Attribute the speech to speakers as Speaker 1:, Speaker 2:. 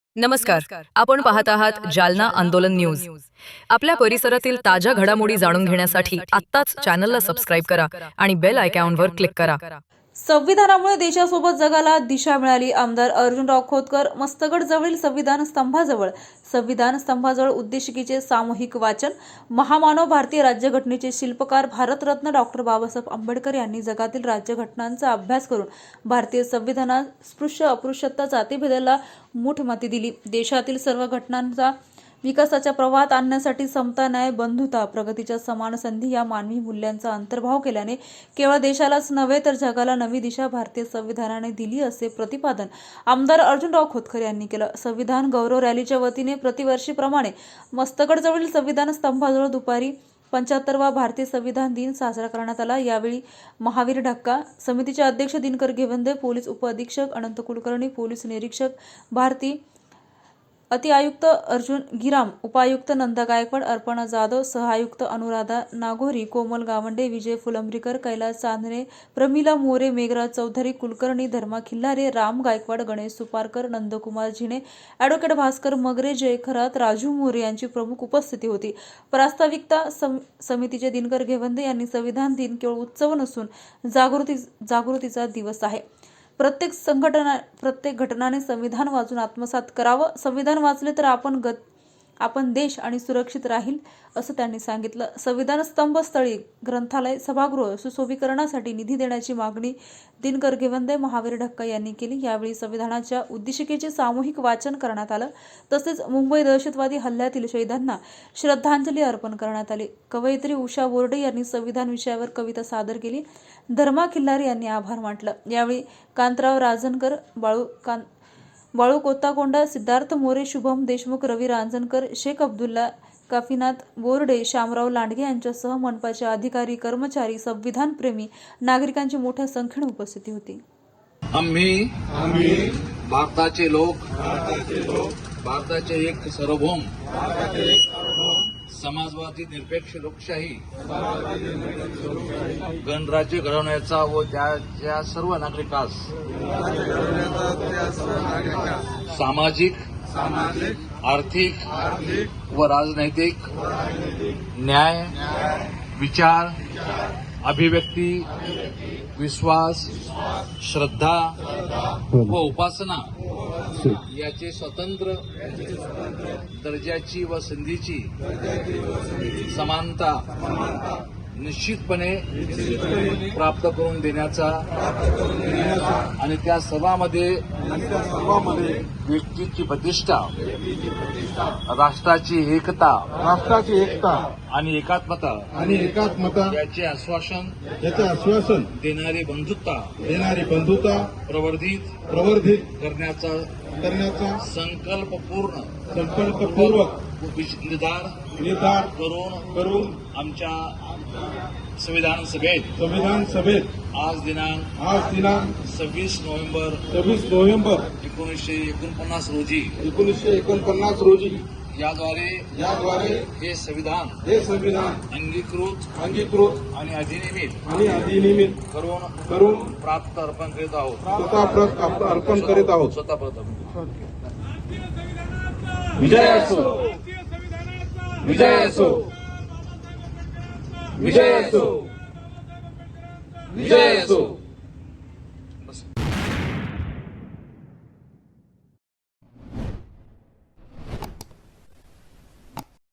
Speaker 1: नमस्कार. आपण पाहत आहात जालना आंदोलन न्यूज. आपल्या परिसरातील ताज्या घडामोडी जाणून घेण्यासाठी आत्ताच चॅनलला सबस्क्राइब करा आणि बेल आयकॉनवर क्लिक करा.
Speaker 2: संविधानामुळे देशासोबत जगाला दिशा मिळाली. आमदार अर्जुनराव खोतकर मस्तगड जवळील संविधान स्तंभाजवळ उद्देशिकेचे सामूहिक वाचन. महामानव भारतीय राज्यघटनेचे शिल्पकार भारतरत्न डॉक्टर बाबासाहेब आंबेडकर यांनी जगातील राज्यघटनांचा अभ्यास करून भारतीय संविधानात स्पृश्य अस्पृश्यता जातीभेदाला मूठमाती दिली. देशातील सर्व घटनांचा विकासाच्या प्रवाहात आणण्यासाठी समता, न्याय, बंधुता, प्रगतीच्या समान संधी या मानवी मूल्यांचा अंतर्भाव केल्याने केवळ देशालाच नव्हे तर जगाला नवी दिशा भारतीय संविधानाने दिली, असे प्रतिपादन आमदार अर्जुनराव खोतकर यांनी केलं. संविधान गौरव रॅलीच्या वतीने प्रतिवर्षीप्रमाणे मस्तगडजवळील संविधान स्तंभाजवळ दुपारी 75वा भारतीय संविधान दिन साजरा करण्यात आला. यावेळी महावीर ढक्का समितीचे अध्यक्ष दिनकर घेवंदे, पोलीस उपअधीक्षक अनंत कुलकर्णी, पोलीस निरीक्षक भारती, अतिआयुक्त अर्जुन गिराम, उपायुक्त नंदा गायकवाड, अर्पणा जाधव, सहआयुक्त अनुराधा नागोरी, कोमल गावंडे, विजय फुलंब्रीकर, कैलास चांदणे, प्रमिला मोरे, मेघराज चौधरी, कुलकर्णी, धर्मा खिल्लारे, राम गायकवाड, गणेश सुपारकर, नंदकुमार झिणे, ॲडव्होकेट भास्कर मगरे, जय खरात, राजू मोरे यांची प्रमुख उपस्थिती होती. प्रास्ताविकता समितीचे दिनकर घेवंदे यांनी संविधान दिन केवळ उत्सव नसून जागृतीचा दिवस आहे. प्रत्येक घटनाने संविधान वाचून आत्मसात करावं. संविधान वाचले तर आपण देश आणि सुरक्षित राहील, असं त्यांनी सांगितलं. संविधान स्तंभ स्थळी ग्रंथालय, सभागृह सुशोभीकरणासाठी निधी देण्याची मागणी दिनकर घेवंदे, महावीर ढक्का यांनी केली. यावेळी संविधानाच्या उद्देशिकेचे सामूहिक वाचन करण्यात आलं. तसेच मुंबई दहशतवादी हल्ल्यातील शहीदांना श्रद्धांजली अर्पण करण्यात आली. कवयित्री उषा बोर्डे यांनी संविधान विषयावर कविता सादर केली. धर्मा खिल्लारे यांनी आभार मानलं. यावेळी कांतराव रांजणकर, बाळू कोत्ताकोंडा, सिद्धार्थ मोरे, शुभम देशमुख, रवी रांजणकर, शेख अब्दुल्ला, काफीनाथ बोर्डे, शामराव लांडगे यांच्यासह मनपाचे अधिकारी, कर्मचारी, संविधान प्रेमी नागरिकांची मोठ्या संख्येने उपस्थिती होती.
Speaker 3: आम्ही भारताचे लोक, भारताचे एक सार्वभौम समाजवादी निरपेक्ष लोकशाही गणराज्य घडवण्याचा व त्या सर्व नागरिकास सामाजिक, आर्थिक व राजनैतिक न्याय, विचार, अभिव्यक्ती, विश्वास, श्रद्धा व उपासना याचे स्वतंत्र दर्जाची व संधीची समानता निश्चितपणे प्राप्त करून देण्याचा आणि त्या सर्वांमध्ये व्यक्तीची प्रतिष्ठा, राष्ट्राची एकता आणि एकात्मता याचे आश्वासन देणारी बंधुता प्रवर्धित करण्याचा संकल्पपूर्वक निर्धार करून आमच्या संविधान सभेत आज दिनांक 26 नोव्हेंबर 1949 रोजी याद्वारे हे संविधान अंगीकृत आणि अधिनियमित करून प्राप्त अर्पण करीत आहोत. स्वतः
Speaker 4: विजय असो, विजय असो, विजय असो, विजय असो.